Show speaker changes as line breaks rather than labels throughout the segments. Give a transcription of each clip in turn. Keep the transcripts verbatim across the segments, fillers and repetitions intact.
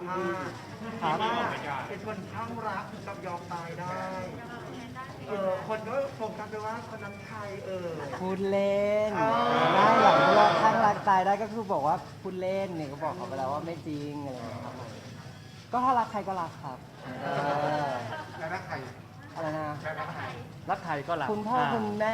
ภาพว่าเป็นคนข้างรักกับยอมตายได้เออคนก็โฟกัสไปว่าคนนั้นใครเออ
พูดเล่น
อ๋อ
ได้หลังเราข้างรักตายได้ก็คือบอกว่าพูดเล่นเนี่ยก็บอกเขาไปแล้วว่าไม่จริงอะไรอย่างเงี้ยครับผมก็ถ้ารักใครก็รักครับเออ
แล้วรักใคร
อะไรนะ
แล้วรักใคร
รักใครก็รัก
คุณพ่อคุณแม่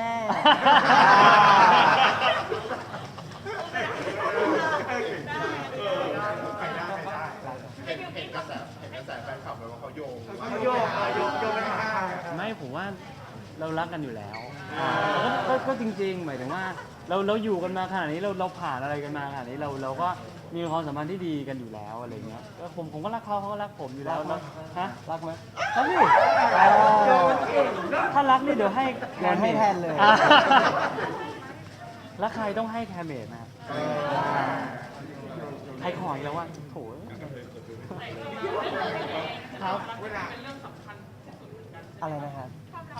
ใครได้ใครได้เห็นเห็นกระแสเห็นกระแสแฟนคลับเลยว่าเขาโยง
เขาโยกโยกโยกไปหาใคร
ไม่ผมว่าเรารักกันอยู่แล้วก็ก็ก็จริงๆหมายถึงว่าเราเราอยู่กันมาขนาดนี้เราเราผ่านอะไรกันมาขนาดนี้เราเราก็มีความสัมพันธ์ที่ดีกันอยู่แล้วอะไรเงี้ยก็ผมผมก็รักเขาเขาก็รักผมอยู่แล้วแล้วฮะ
รักไหม
รักดิ
โยนเก่งเนอะ
ถ้ารักนี่เดี๋ยวให้
โยนให้แทนเลย
อ่ะรักใครต้องให้แคมเมดนะครับใครขออีกแล้วว่าโถครับ
เวลา
อะไรนะครับ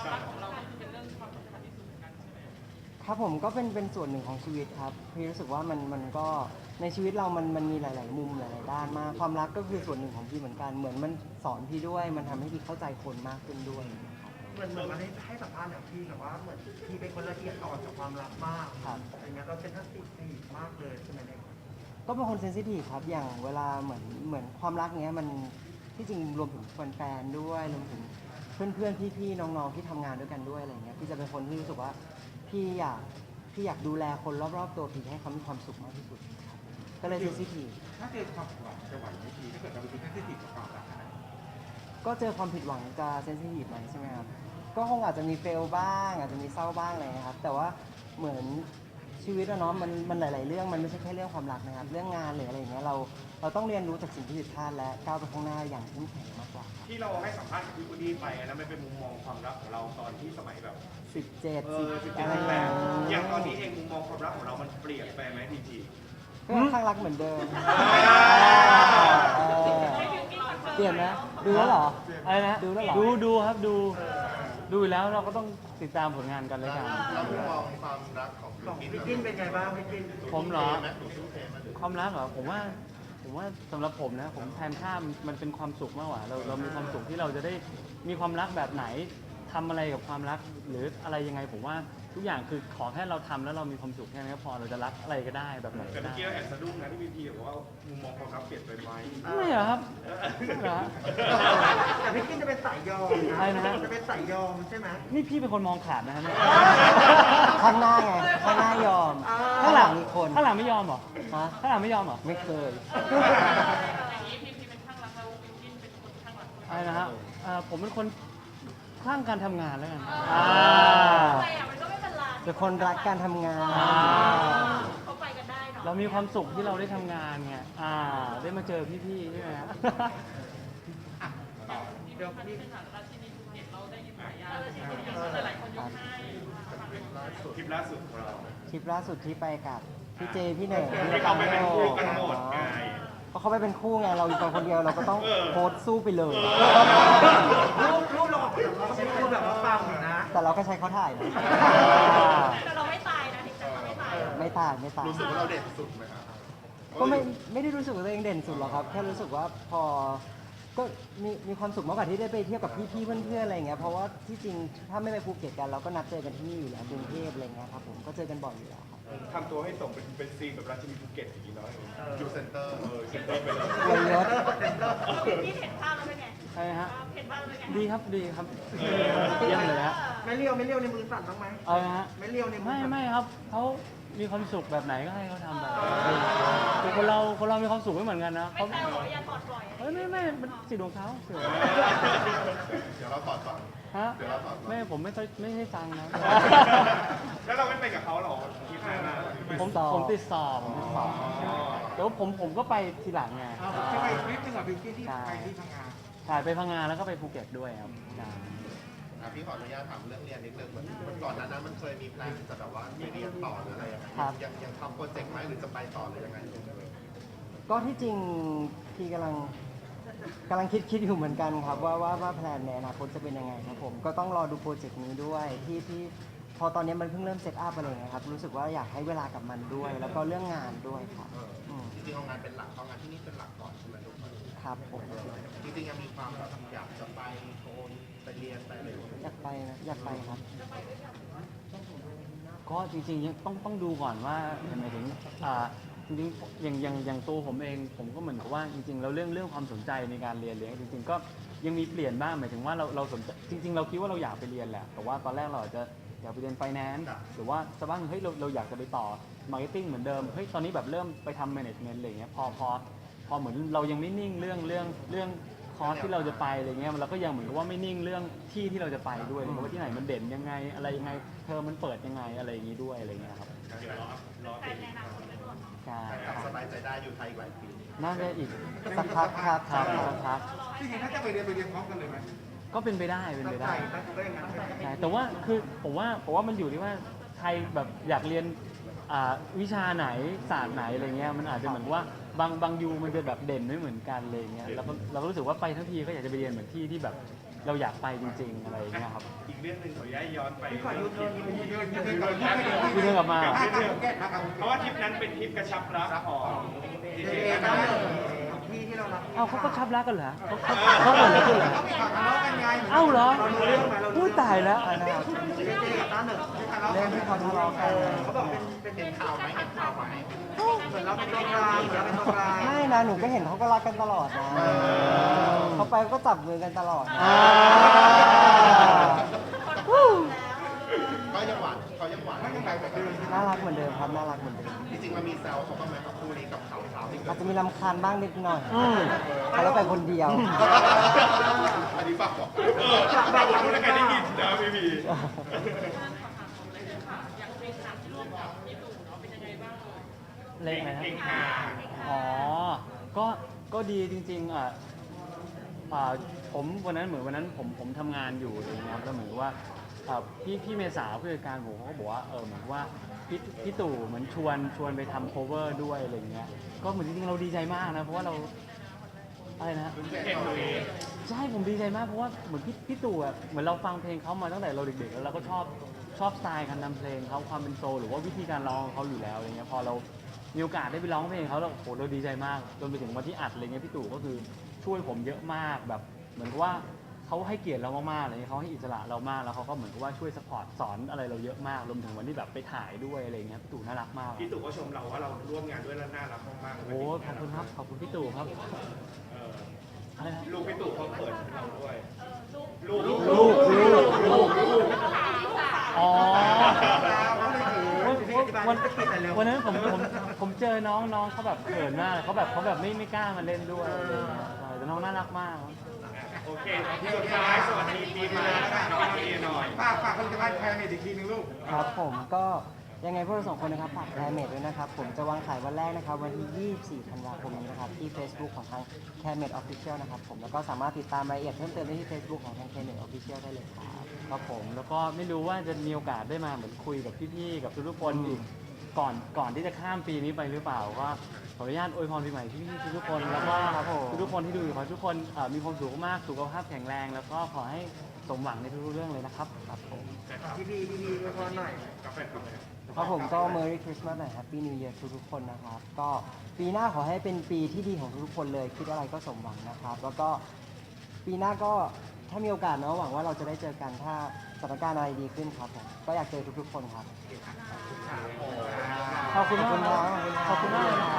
ครับผมก็เป็นเป็นส่วนหนึ่งของชีวิตครับพี่รู้สึกว่ามันมันก็ในชีวิตเรามันมันมีหลาย ๆ มุมหลาย ๆ ด้านมากความรักก็คือส่วนหนึ่งของพี่เหมือนกันเหมือนมันสอนพี่ด้วยมันทำให้พี่เข้าใจคนมากขึ้นด้วยครับ
เหมือนเหมือนมันให้ให้สัมภาษณ์แบบพี่แบบว่าเหมือนพี่เป็นคนละเอียดอ่อนกับความรักมาก
ครับ
อย่างเงี้ยเราเป็นทัศน์สีมากเลยใช่ไหมเนี่ย
ก็เป็นคนเซนซิทีฟครับอย่างเวลาเหมือนเหมือนความรักเนี้ยมันที่จริงรวมถึงแฟนๆด้วยรวมถึงเพื่อนๆพี่ๆน้องๆที่ทำงานด้วยกันด้วยอะไรเงี้ยพี่จะเป็นคนที่รู้สึกว่าพี่อยากพี่อยากดูแลคนรอบๆตัวพี่ให้เขามีความสุขมากที่สุดครับก็เลยเซนซิทีฟ
ถ้าเจอความหวังจะไหวไหมทีถ้าเกิดเราเป็นที่ติดกับความรักขนาดนี้
ก็เจอความผิดหวังจะเซนซิทีฟไหมใช่ไหมครับก็คงอาจจะมีเฟลบ้างอาจจะมีเศร้าบ้างอะไรนะครับแต่ว่าเหมือนชีวิตอะเนาะมันมันหลาย ๆ เรื่องมันไม่ใช่แค่เรื่องความรักนะครับเรื่องงานหรืออะไรอย่างเงี้ยเราเราต้องเรียนรู้จากสิ่งที่ผิดพลาดและก้าวไปข้างหน้าอย่างเข้มแข็งมากกว่าครับ
ที่เราให้สัมภาษณ์กับพี่วูดดี้ไปอันนั้นมันเป็นมุมมองความรักของเราตอนที่สมัยแบบ
สิบเจ็ด
เอ
สิบ
อสิบ
อะ
เจ็ด
ไร
สิบ
อ
แป
ย่าง
ด
เงี้ย
อย่างตอนนี้เองมุมมองความรักของเรามันเปลี่ยนไปไหมทีที
ก็ข้างรักเหมือนเดิมเออเปลี่ยนไหมดูแล้วเหรอ
อะไรนะ
ดูแล้วเหรอ
ดูดูครับดูดูอยู่แล้วเราก็ต้องติดตามผลงานกันเลยกัน
เรามุมมองความรักของ
ของพี่กินเป็นไงบ้างพี่กิน
ผมเหรอ
ไหมหนูสู้เทไหม
ความรักเหรอผมว่าผมว่าสำหรับผมนะผมแทนค่ามันมันเป็นความสุขมากกว่าเราเรามีความสุขที่เราจะได้มีความรักแบบไหนทำอะไรกับความรักหรืออะไรยังไงผมว่าทุกอย่างคือขอแค่เราทำแล้วเรามีความสุขแค่นั้นก็พอเราจะรักอะไรก็ได้แบบไหน
แต่
ก็
เมื่อ
ได้
กี้เราแอบสะดุ้งนะที่พี่พีบอกว่ามุมมองความรักเปลี่ยนไปไหม
ไม่เหรอครับไม่เหรอฮะ
แต่พี่กินจะเป็นสายยอม
ใช่นะฮะ
จะเป็นสายยอมใช่ไหม
นี่พี่เป็นคนมองขาดนะครับเนี่ย
ข้างหน้าไงข้างหน้ายอม
อ่า
ข้างหลังมีคน
ข้างหลังไม่ยอมเหรอ
ฮะ
ข้างหลังไม่ยอมเหรอ
ไม่เคย
อะไรนะฮะเอ่อผมเป็นคนคลั่งการทำงานแล้วกันอ่า
ไปอ่ะมันก็ไม่เป็นไร
เป็นคนรักการทำงาน
อ่า
เขาไปกันได้เนาะ
เรามีความสุขที่เราได้ทำงานไงอ่า ได้มาเจอพี่ๆใช่ไหมฮะ
เดี๋ยวพี่
คลิปล่าสุดของเรา
ทริปล่าสุดที่ไปกับพี่เจพี่เหน่ง
ที่เขาไปเป็นคู่กันหมดไง
เพราะเขาไปเป็นคู่ไงเราอยู่กันคนเดียวเราก็ต้องโพสต์สู้ไปเลย
รูปรูปเราออกมาเราเป็นรูปแบบว่าปังอยู่นะ
แต่เราก็ใช้เขาถ่ายนะ
แต่เราไม่ตายนะถึงจะเราไม่ตาย
ไม่ตายไม่ตาย
รู้สึกว่าเราเด่นสุดไหมครับ
ก็ไม่ไม่ได้รู้สึกว่าตัวเองเด่นสุดหรอกครับ แค่รู้สึกว่าพอก็มีมีความสุขมากกว่าที่ได้ไปเที่ยวกับพี่ๆเพื่อนๆอะไรเงี้ยเพราะว่าที่จริงถ้าไม่ไปภูเก็ตกันเราก็นัดเจอกันที่นี่อยู่แล้วกรุงเทพอะไรเงี้ยครับผมก็เจอกันบ่อยอยู่แล้วครับ
ทำตัวให้สมเป็นเป็นซีนแบบราชินีภูเก็ตอย่างนี้เนาะอยู่เซ็นเตอร์เออเซ็นเตอร์ไปเลย
เยอะ
พี่เห็นภาพแล้วเป็นไง
ใช่ฮะ
เห็นภาพแล้วเป็นไง
ดีครับดีครับเยี่ยมเลยฮะ
ไม่เลี้ยวไม่เลี้ยวในมือสั่นบ้างไหม
เอาละฮะ
ไม่เลี้ยวในมือ
ไม่
สั่น
ไม่ครับเขามีความสุขแบบไหนก็ให้เขาทำแบบนั้นคือคนเราคนเรามีความสุขไม่เหมือนกันนะ
ไม่
เขา
แซวหรออย่าถอดปล่อย
เฮ้ยไม่ไม่มันสิทธิ์ของเขาสิทธิ์ของเขา
เดี๋ยวเราถอดก่อน
ฮะ
เดี๋ยวเราถอดก่อน
ไม่ผมไม่ค่อยไม่ให้ตังค์นะ
แล้วเราไม่ไปกับเขาหรอที่ผ่านมา
ผมผมติดสอบผมติดสอบแล้วผมผมก็ไปทีหลังไง
ที่ไปทริปนึงกับบิวกี้ที่ไปที่พังงา
ถ่ายไปพังงานแล้วก็ไปภูเก็ตด้วยครับใช่
อ่ะพี่ขออนุญาตถามเรื่องเรียนนิดนึงเหมือนเหมือนก่อนหน้านั้นมันเคยมีแพลนจะแบบว่าไปเรียนต่อหรืออะไรยังไงยังยังทำโปรเจกต์ไหมหรือจะไปต่อหรือยังไง
ก็ที่จริงพี่กำลังกำลังคิดคิดอยู่เหมือนกันครับว่าว่าว่าแพลนในอนาคตจะเป็นยังไงครับผมก็ต้องรอดูโปรเจกต์นี้ด้วยที่ที่พอตอนนี้มันเพิ่งเริ่มเซตอัพอะไรเงี้ยครับรู้สึกว่าอยากให้เวลากับมันด้วย แล้วก็เรื่องงานด้วยครับอืม
จริงๆเอางานเป็นหลักเอางานที่นี่เป็นหลักก่อนใช่ไหมทุกคน
ครับผม
จริงๆยังมีความแบบอยากจะไปโกนไปเรียนไปอะไรอย่างเงี้ย
อยากไปนะอยากไปครับ
ก็จริงๆยังต้องต้องดูก่อนว่าหมายถึงอ่าจริงๆอย่างอย่างอย่างตัวผมเองผมก็เหมือนกับว่าจริงๆแล้วเรื่องเรื่องความสนใจในการเรียนเลี้ยงจริงๆก็ยังมีเปลี่ยนบ้างหมายถึงว่าเราเราสนใจจริง ๆ เราคิดว่าเราอยากไปเรียนแหละแต่ว่าตอนแรกเราอาจจะอยากไปเรียนไฟแนนซ์หรือว่าสักบ้างเฮ้ยเราเราอยากจะไปต่อมาร์เก็ตติ้งเหมือนเดิมเฮ้ยตอนนี้แบบเริ่มไปทำแมネจเมนต์อะไรเงี้ยพอพอพอเหมือนเรายังไม่นิ่งเรื่องเรื่องเรื่องคอร์สที่เราจะไปอะไรเงี้ยเราก็ยังเหมือนกับว่าไม่นิ่งเรื่องที่ที่เราจะไปด้วยเลยว่าที่ไหนมันเด่นยังไงอะไรยังไงเทอมมันเปิดยังไงอะไรอย่างงี้ด้วยอะไรเงี้ยครับ
แต่ในอนาคตไม่รู้
ใช่
แต่
ครับ
สบายใจได้อยู่ไทยอีกหลายปี
น่าจะอีก
สักพักครับ
ครับสักพัก
จริงๆถ้าจะไปเรียนไปเรียนพร้อมกันเลยไหม
ก็เป็นไปได้เป็น
ตั้
ไป
งใจ
ได้
ตั้งใจอย่างนั้นเลย
ใช่แต่ว่าคือผมว่าผมว่ามันอยู่ที่ว่าใครแบบอยากเรียนอ่าวิชาไหนศาสตร์ไหนอะไรเงี้ยมันอาจจะเหมือนว่าบางบางยูมันจะแบบเด่นไม่เหมือนกันเลยเงี้ยแล้วก็เราก็รู้สึกว่าไปทั้งทีก็อยากจะไปเรียนเหมือนที่ที่แบบเราอยากไปจริงๆอะไรอย่างเงี้ยครับ
อีกเรื่องหนึ่งขอย้ายย้อนไป
พี่ขอยูเทิร์นนิดนึง
ยืนยืนก่อน
พี่เดินกลับมาเหรอ
เพราะว่าทริปนั้นเป็นทริปกระชับรักของดี
เจ
เจ
เจ
นะ
ตั้งหนึ่งที่ที่เรารัก
เอาเขาก็ชับรักกันเหรอเขาเขาเขาเหมือนกันเหรอ
เขาทะเลาะกันไง
เอ้าเหรอ
เรารู้เรื่องไหมเรา
พู
รู้
ดตายแล้ว
อันนะครับ
เจเจกับตั้งหนึ่ง
เรื่องที่เขาทะเลาะกัน
เขาบอกเป็นเป็น
เห็นข่าวไหมเห็นข่าวไหม
เหมือนเราเป็นตัวกลางเหมือนเราเป็นตัวกลาง
ไม่นะหนูก็เห็นเขาก็รักกันตลอดนะเขาไปก็จับมือกันตลอดนะ
อ่า
ก็ยังหวานเขายังหวานยังไงแบบเดิม
น่ารักเหมือนเดิมครับน่ารักเหมือนเดิม
จริงๆมันมีแซวเขาบ้างไหมกับคู่นี้กับข่าวข่าวที่เกิ
อา
ด
จจะมีลำคาญบ้างนิดหน่อย
อืม
เขาแล้วไปคนเดียว
อันนี้ฝากบอก
เออเราพูดแล้วกันได้ยินนะพี่พี
เล่นไหมครับ
เก่งค่ะ
อ๋อ ก็ ก็ดีจริงๆอ่ะอ่าผมวันนั้นเหมือนวันนั้นผมผมทำงานอยู่อะไรอย่างเงี้ยครับแล้วเหมือนกับว่าอ่าพี่พี่เมษาผู้จัดการผมเขาก็บอกว่าเออเหมือนกับว่าพี่พี่ตู่เหมือนชวนชวนไปทำ cover ด้วยอะไรอย่างเงี้ย ก็เหมือนจริงๆเราดีใจมากนะเพราะว่าเราอะไรนะ
เก่งตัวเอง
ใช่ผมดีใจมากเพราะว่าเหมือนพี่พี่ตู่อะเหมือนเราฟังเพลงเขามาตั้งแต่เราเด็กๆแล้วเราก็ชอบชอบสไตล์การทำเพลงเขาความเป็นโซลหรือว่าวิธีการร้องของเขาอยู่แล้วอะไรเงี้ยพอเรามีโอกาสได้ไปร้องเพลงเขาเราโหเราดีใจมากจนไปถึงวันที่อัดอะไรเงี้ยพี่ตู่ก็คือช่วยผมเยอะมากแบบเหมือนกับว่าเขาให้เกียรติเรามากๆอะไรเงี้ยเขาให้อิสระเรามากแล้วเขาก็เหมือนกับว่าช่วยสปอร์ตสอนอะไรเราเยอะมากรวมถึงวันที่แบบไปถ่ายด้วยอะไรเงี้ยพี่ตู่น่ารักมาก
พี่ตู่ก็ชมเราว่าเราร่วมงานด้วยแล้วน่ารักมากๆ
โอ้ขอบคุณครับขอบคุณพี่ตู่ครับ
เออ
อะไรนะ
ลูกพี่ตู่เขาเปิดให้เราด้วยลูก
ลูกลูกลูกอ๋อ วันวันนั้นผมผมผมเจอน้องน้องเขาแบบเขินมากเขาแบบเขาแบบไม่ไม่กล้ามาเล่นด้วยอะไรอย่างเงี้ยใช่แต่น้องน่ารักมาก
โอเคสุดท้ายสวัสดีปีใหม่น้องพี่หน่อยฝากฝากผลิตภัณฑ์แพรเมดอีกทีนึงลูก
ครับผมก็ยังไงพวกเราสองคนนะครับฝากแคร์เมดด้วยนะครับ ผมจะวางขายวันแรกนะครับ วันที่ ยี่สิบสี่ ธันวาคมนี้นะครับ ที่ Facebook ของทาง c a r e m e d Official นะครับผมแล้วก็สามารถติดตามรายละเอียดเพิ่มเติมได้ที่ Facebook ของทาง c a r e m e d Official ได้เลยครับ
ครับผมแล้วก็ไม่รู้ว่าจะมีโอกาสได้มาเหมือนคุยกับพี่ๆกับทุกๆคนอีกก่อนก่อนที่จะข้ามปีนี้ไปหรือเปล่าก็ขออนุญาตอวยพรปีใหม่พี่ๆทุกๆคนแล้วก็
ครับผม
ทุกๆคนที่ดูอยู่ขอให้ทุกคนเอ่อมีความสุขมากสุขภาพแข็งแรง แล้วก็ขอให้สมหวังในทุกๆเรื่องเลยนะครับครับผม
พี่พีพี่พีมาพรหน่อย
กาแฟกาแฟ
ครับผมก็ Merry Christmas หน่อย Happy New Year ทุกๆคนนะครับ ก็ปีหน้าขอให้เป็นปีที่ดีของทุกๆคนเลย คิดอะไรก็สมหวังนะครับ แล้วก็ปีหน้าก็ถ้ามีโอกาสเนาะหวังว่าเราจะได้เจอกันถ้าสถานการณ์อะไรดีขึ้นครับผมก็อยากเจอทุกๆคนครับ
ขอบคุณมาก
ขอบคุณครับ
ขอบคุณมากเลยนะครับ